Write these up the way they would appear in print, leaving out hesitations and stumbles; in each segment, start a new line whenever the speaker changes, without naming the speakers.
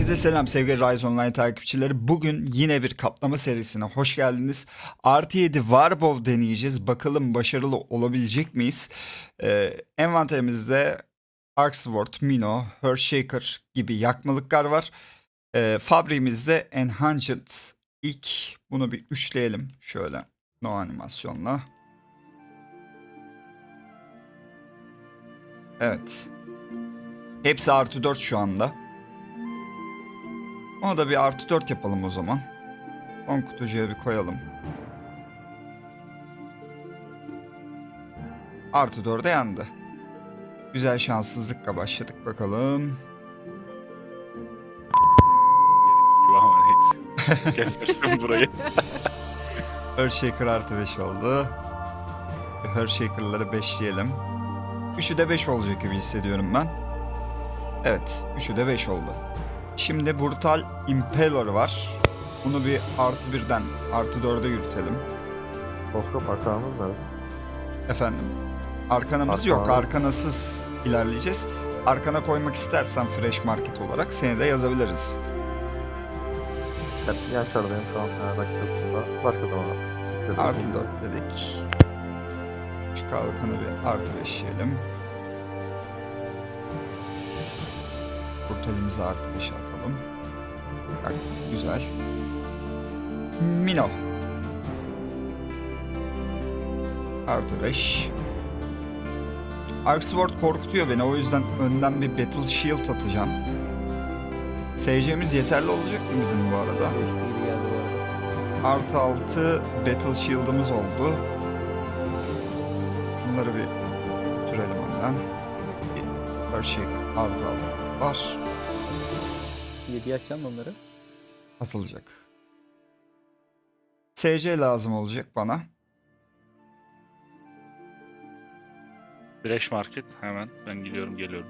Herkese selam sevgili Rise Online takipçileri. Bugün yine bir kaplama serisine hoş geldiniz. Artı 7 Warbow deneyeceğiz. Bakalım başarılı olabilecek miyiz? Envanterimizde Arcsword, Mino, Earthshaker gibi yakmalıklar var. Fabriğimizde Enhanced. İlk bunu bir üçleyelim şöyle no animasyonla. Evet. Hepsi artı 4 şu anda. Ona da bir artı 4 yapalım o zaman. 10 kutucuya bir koyalım. Artı 4'e yandı. Güzel şanssızlıkla başladık bakalım.
Ama neyse. Kesersin burayı.
Earthshaker artı 5 oldu. Earthshaker'ları 5'leyelim. 3'ü de 5 olacak gibi hissediyorum ben. Evet, 3'ü de 5 oldu. Şimdi Brutal Impaler var. Bunu bir artı 1'den artı 4'e yürütelim.
Boskop arkamız nerede?
Efendim, arkanamız
Arkana.
yok. Arkanasız ilerleyeceğiz. Arkana koymak istersen Fresh Market olarak seni de yazabiliriz.
Yaşardayım şu an rakipsizde. Başka zaman.
Artı 4 dedik. Şu kalkanı bir artı 5'leyelim. Portalimizi artı 5'e atalım. Bak, güzel. Mino. Artı 5. Arcsword korkutuyor beni. O yüzden önden bir Battle Shield atacağım. SC'miz yeterli olacak mı bizim bu arada?
İyi geldi bu arada.
Artı 6 Battle Shield'ımız oldu. Bunları bir götürelim önden. Her şey artı 6 var.
7'yi açacağım onları.
Atılacak. SC lazım olacak bana.
Fresh Market hemen. Ben gidiyorum geliyorum.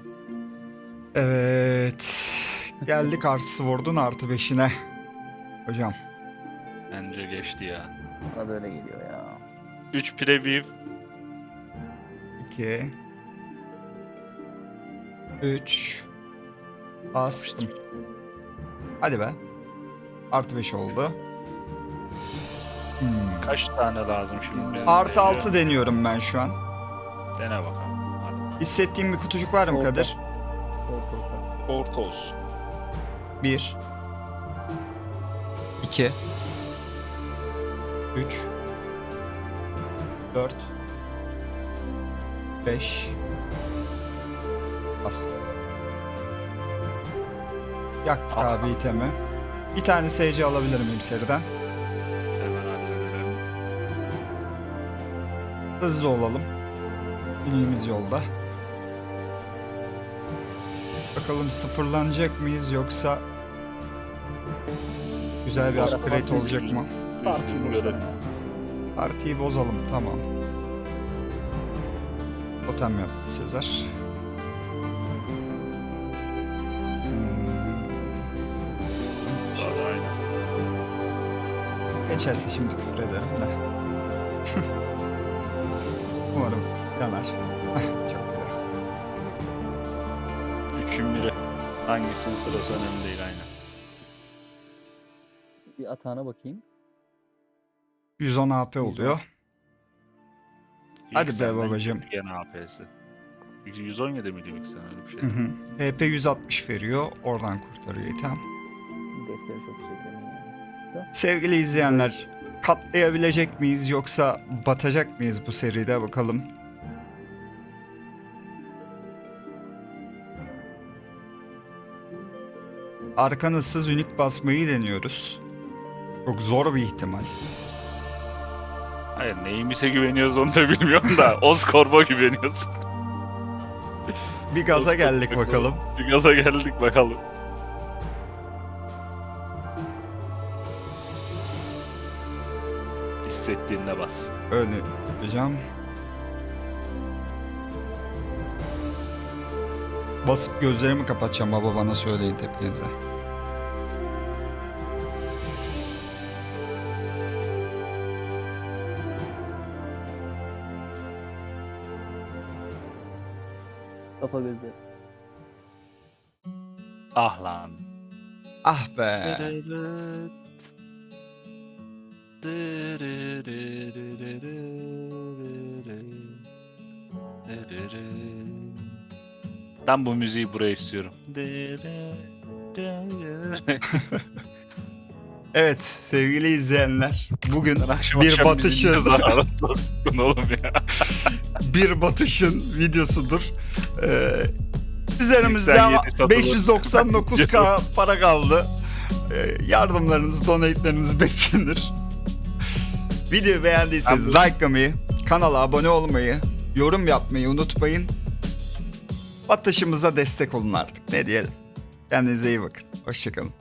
Evet. Geldik Arcsword'un artı 5'ine. Hocam.
Bence geçti ya.
Bana da öyle geliyor ya.
3 preview.
2 3 bastım. Hadi be. Artı 5 oldu.
Kaç tane lazım şimdi? benim
Artı
preview?
6 deniyorum ben şu an.
Dene bakalım. Hadi.
Hissettiğim bir kutucuk var mı
Oldu.
Kadir?
Orta.
Orta olsun.
1 2 3 4 5 bastım. Yaktık
Aha.
abi itemi. Bir tane SC alabilir miyim seriden?
Hemen halledelim.
Hızlı olalım. İniğimiz yolda. Bakalım sıfırlanacak mıyız yoksa güzel bir
Para
upgrade
falan
olacak mı?
Düzgün görelim.
Partiyi bozalım, tamam. Totem yaptı Sezar.
Vallahi aynen.
Geçerse şimdi küfür ederim de. Umarım yanar. Çok güzel.
3'ün biri. Hangisinin sırası önemli değil aynen.
Bir atağına bakayım.
110 AP oluyor. Hadi be
senden
babacım.
Gene AP'si. 117 miydi ilk sen öyle bir şey?
Hı hı. HP 160 veriyor. Oradan kurtarıyor item.
Defteri çok söylüyorum yani.
Sevgili izleyenler, katlayabilecek miyiz yoksa batacak mıyız bu seride bakalım. Arkanısız unik basmayı deniyoruz. Çok zor bir ihtimal.
Hayır neyimize güveniyoruz onu da bilmiyorum da. Oscorp'a güveniyoruz.
Bir gaza geldik bakalım.
Bir gaza geldik bakalım. Hissettiğinde bas.
Öyle yapacağım. Basıp gözlerimi kapatacağım baba, bana söyleyin tepkinize.
Kafa gözleri.
Ah lan.
Ah be.
Ben bu müziği buraya istiyorum.
Evet sevgili izleyenler, bugün
Akşam
bir
akşam
batışın
müziğimiz var, arası olsun oğlum ya.
bir batışın videosudur. Üzerimizde ama
87 satılır.
599k para kaldı. Yardımlarınız, donate'leriniz beklenir. Videoyu beğendiyseniz likelamayı, kanala abone olmayı, yorum yapmayı unutmayın. Batışımıza destek olun artık. Ne diyelim? Kendinize iyi bakın. Hoşçakalın.